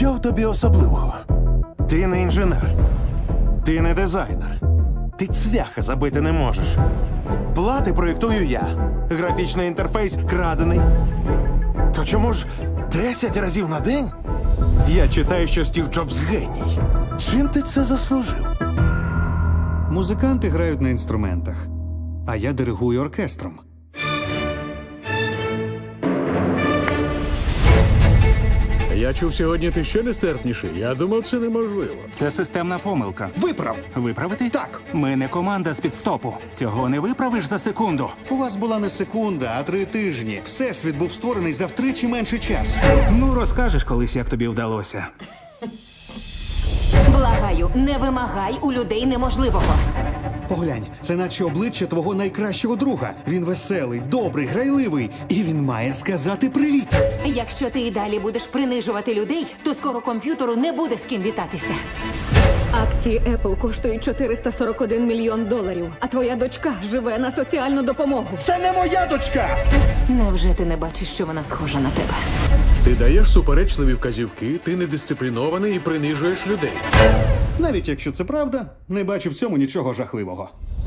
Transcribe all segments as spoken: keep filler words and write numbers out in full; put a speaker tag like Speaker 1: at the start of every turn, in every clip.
Speaker 1: Що в тобі особливого? Ти не інженер, ти не дизайнер, ти цвяха забити не можеш. Плати проєктую я. Графічний інтерфейс крадений. То чому ж десять разів на день? Я читаю, що Стів Джобс геній. Чим ти це заслужив?
Speaker 2: Музиканти грають на інструментах, а я диригую оркестром.
Speaker 3: Я чув, сьогодні ти ще нестерпніший. Я думав, це неможливо.
Speaker 4: Це системна помилка.
Speaker 2: Виправ!
Speaker 4: Виправити?
Speaker 2: Так.
Speaker 4: Ми не команда з підстопу. Цього не виправиш за секунду.
Speaker 2: У вас була не секунда, а три тижні. Всесвіт був створений за втричі менший час.
Speaker 4: Ну, розкажеш колись, як тобі вдалося.
Speaker 5: Благаю, не вимагай у людей неможливого.
Speaker 2: Поглянь, це наче обличчя твого найкращого друга. Він веселий, добрий, грайливий. І він має сказати привіт.
Speaker 5: Якщо ти і далі будеш принижувати людей, то скоро комп'ютеру не буде з ким вітатися.
Speaker 6: Акції Apple коштують чотириста сорок один мільйон доларів, а твоя дочка живе на соціальну допомогу.
Speaker 2: Це не моя дочка!
Speaker 5: Невже ти не бачиш, що вона схожа на тебе?
Speaker 3: Ти даєш суперечливі вказівки, ти недисциплінований і принижуєш людей.
Speaker 2: Навіть якщо це правда, не бачу в цьому нічого жахливого.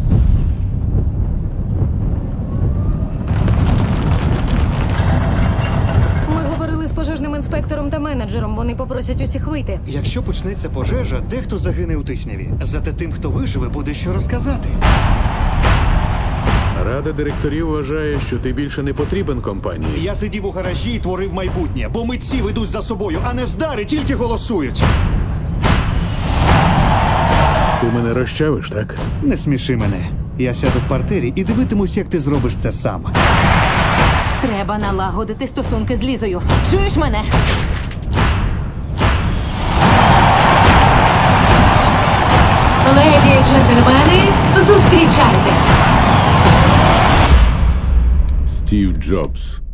Speaker 6: Ми говорили з пожежним інспектором та менеджером. Вони попросять усіх вийти.
Speaker 2: Якщо почнеться пожежа, дехто загине у тисняві. Зате тим, хто виживе, буде що розказати.
Speaker 3: Рада директорів вважає, що ти більше не потрібен компанії.
Speaker 2: Я сидів у гаражі і творив майбутнє, бо митці ведуть за собою, а не здари тільки голосують.
Speaker 3: Ти мене розчавиш, так?
Speaker 2: Не сміши мене. Я сяду в партері і дивитимусь, як ти зробиш це сам.
Speaker 5: Треба налагодити стосунки з Лізою. Чуєш мене?
Speaker 7: Леді і джентльмени, зустрічайте!
Speaker 3: Стів Джобс.